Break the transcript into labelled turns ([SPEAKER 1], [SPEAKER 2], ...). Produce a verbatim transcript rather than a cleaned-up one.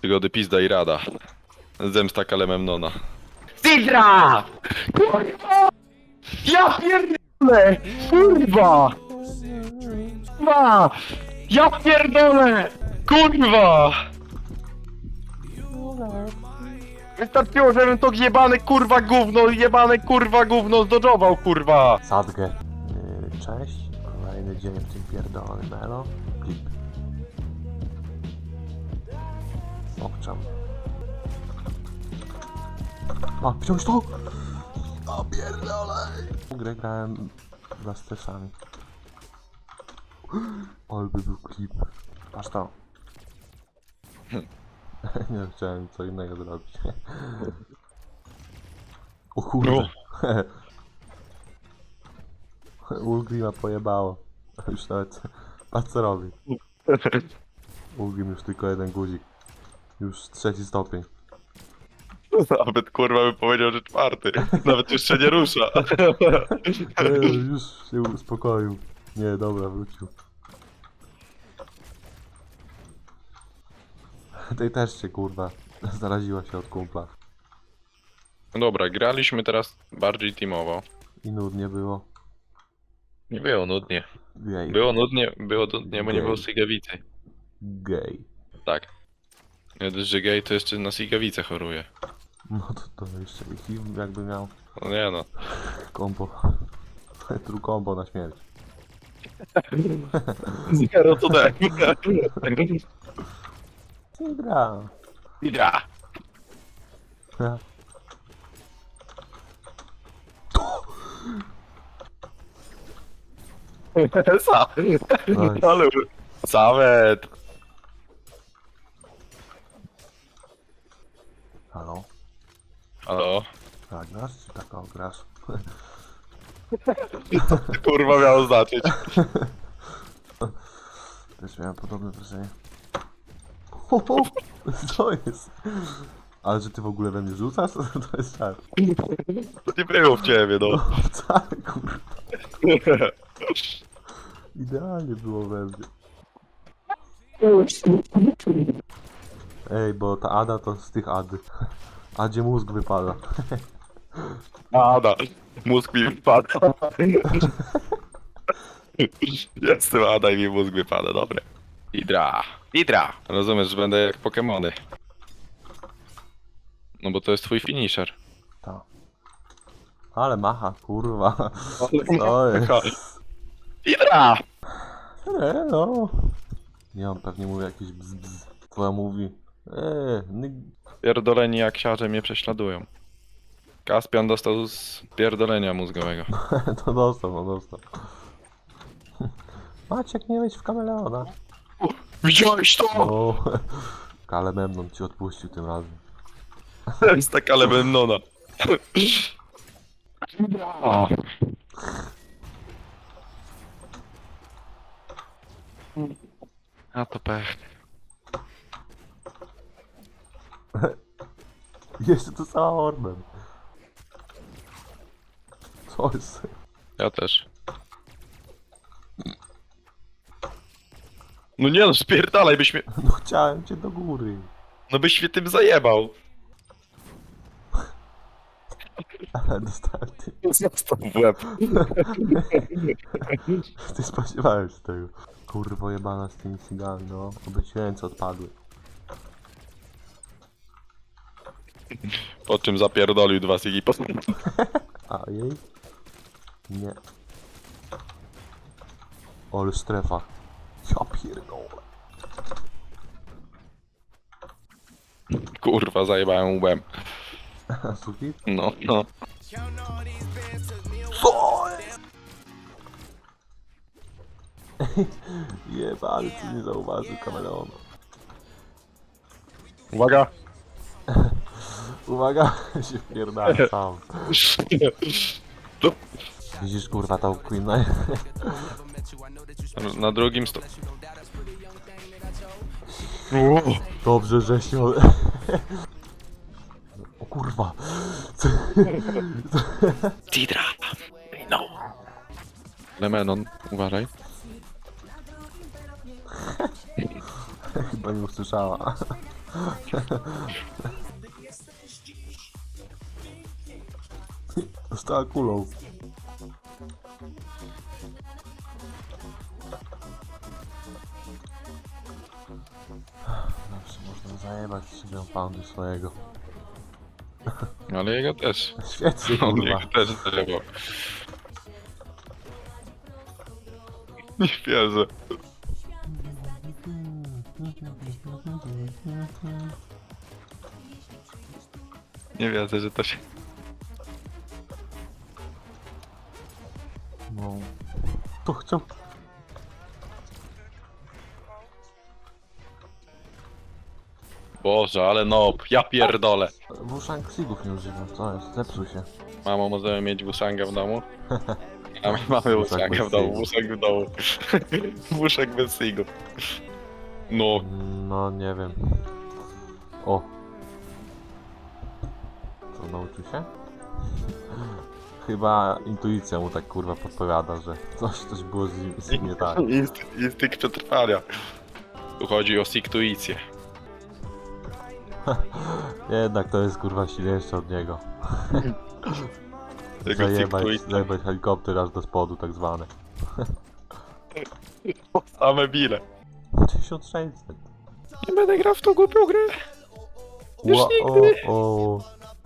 [SPEAKER 1] Przygody pizda i rada. Zemsta Kalememnona.
[SPEAKER 2] Sidra! Kurwa! Ja pierdolę! Kurwa! Kurwa! Ja pierdolę! Kurwa! Wystarczyło, żebym to jebane kurwa gówno, jebane kurwa gówno zdodżował, kurwa!
[SPEAKER 3] Sadgę. Yy, Cześć. Kolejny dzień w tym pierdolonym melo. Klip. Obczam. A, wziąć to! A pierdolę! Grę grałem chyba z stresami. Ale by był klip. Patrz to. Nie chciałem co innego zrobić. O kurde. Ulgrima pojebało. Już nawet... Patrz co robi. Ulgrim już tylko jeden guzik. Już trzeci stopień.
[SPEAKER 1] Nawet kurwa by powiedział, że czwarty. Nawet jeszcze nie rusza.
[SPEAKER 3] Nie, już się uspokoił. Nie, dobra, wrócił. Tej też się kurwa zaraziła się od kumpla.
[SPEAKER 1] No dobra, graliśmy teraz bardziej teamowo.
[SPEAKER 3] I nudnie było.
[SPEAKER 1] Nie było nudnie.
[SPEAKER 3] Gej.
[SPEAKER 1] Było nudnie, było nudnie, bo nie było Sigawicy.
[SPEAKER 3] Gej.
[SPEAKER 1] Tak. Nie dość, że gej, to jeszcze na Sigawicę choruje.
[SPEAKER 3] No to, to jeszcze i jakby miał
[SPEAKER 1] No nie no.
[SPEAKER 3] kombo. True combo na śmierć.
[SPEAKER 1] Zero to daj.
[SPEAKER 3] Nie gra.
[SPEAKER 1] Ja. Sa.
[SPEAKER 3] Nice.
[SPEAKER 1] Ale... Samet.
[SPEAKER 3] Halo?
[SPEAKER 1] Halo?
[SPEAKER 3] Tak grasz czy tak o, grasz?
[SPEAKER 1] Kurwa miało znaczyć.
[SPEAKER 3] Też miałem podobne wrażenie. Ho, ho! Co jest? Ale że ty w ogóle we mnie rzucasz? To jest tak.
[SPEAKER 1] To nie było w ciebie, no.
[SPEAKER 3] No wcale kurwa. Idealnie było we mnie. Ej, bo ta Ada to z tych Ady. Adzie mózg wypada.
[SPEAKER 1] Ada. Mózg mi wypada. Jestem Ada i mi mózg wypada, dobre. Hydra. Hydra. Rozumiesz, że będę jak Pokemony. No bo to jest twój finisher.
[SPEAKER 3] Ta. Ale macha, kurwa. Co jest?
[SPEAKER 1] Hydra!
[SPEAKER 3] Eee, no. Nie, on pewnie mówi jakieś bzz, bzz. Twoja mówi. Eee, nyg...
[SPEAKER 1] Pierdoleni jak siarze mnie prześladują. Kaspian dostał z pierdolenia mózgowego.
[SPEAKER 3] To dostał, no dostał. Maciek, nie wejdź w kameleona.
[SPEAKER 1] Widziałeś to?
[SPEAKER 3] O, Kalememnon ci odpuścił tym razem.
[SPEAKER 1] Jest tak ale Memnona. A to pech.
[SPEAKER 3] Jeszcze to cała Orben. Co jest?
[SPEAKER 1] Ja też. No nie no, spierdalaj, byś mnie...
[SPEAKER 3] No chciałem cię do góry.
[SPEAKER 1] No byś mnie tym zajebał.
[SPEAKER 3] Ale dostałem ty.
[SPEAKER 1] Zostaw w łeb.
[SPEAKER 3] Ty spodziewałem się tego. Kurwo jebana z tymi cygami, no. Oby ci ręce odpadły.
[SPEAKER 1] Po czym zapierdolił dwa sigi po...
[SPEAKER 3] A jej? Nie. Ale strefa. Ja pierdolę.
[SPEAKER 1] Kurwa, zajebałem łbem.
[SPEAKER 3] Suki?
[SPEAKER 1] No, no.
[SPEAKER 3] Co jest? Jebany, ty nie zauważył kameleona.
[SPEAKER 1] Uwaga.
[SPEAKER 3] Uwaga, się wpierdala sam.
[SPEAKER 1] To...
[SPEAKER 3] Widzisz kurwa tą Queen Knight?
[SPEAKER 1] Na drugim sto...
[SPEAKER 3] Dobrze, że się... O kurwa.
[SPEAKER 1] Tidra. No. Lemenon, uważaj.
[SPEAKER 3] Chyba nie usłyszała. Dostała kulą. Zawsze można zajebać sobie poundu swojego.
[SPEAKER 1] Ale jego też.
[SPEAKER 3] Świetnie,
[SPEAKER 1] On
[SPEAKER 3] kurwa.
[SPEAKER 1] jego też zajebał. Nie wierzę. Nie wierzę, że to się...
[SPEAKER 3] No. To chciał...
[SPEAKER 1] Boże, ale no, ja pierdolę.
[SPEAKER 3] Wuszang Sigów nie używam, co jest? Zepsuł się.
[SPEAKER 1] Mamo, możemy mieć Wuszanga w domu? A my mamy
[SPEAKER 3] Wuszang
[SPEAKER 1] Wuszanga
[SPEAKER 3] bez
[SPEAKER 1] w domu,
[SPEAKER 3] sigów.
[SPEAKER 1] Wuszang w domu. Wuszang bez sigów. No,
[SPEAKER 3] No nie wiem. O. Co, nauczył się? Chyba intuicja mu tak kurwa podpowiada, że coś, coś było z nim, z nim nie tak.
[SPEAKER 1] Inst- instynkt przetrwania. Tu chodzi o siktuicję.
[SPEAKER 3] Jednak to jest kurwa silniejsze od niego.
[SPEAKER 1] Jego
[SPEAKER 3] Zajebać,
[SPEAKER 1] siktuicja.
[SPEAKER 3] zajebać helikopter aż do spodu tak zwany.
[SPEAKER 1] Same bile.
[SPEAKER 3] tysiąc sześćset.
[SPEAKER 1] Nie będę grał w tą głupią grę. Już
[SPEAKER 3] Ła-
[SPEAKER 1] nigdy.
[SPEAKER 3] O, o.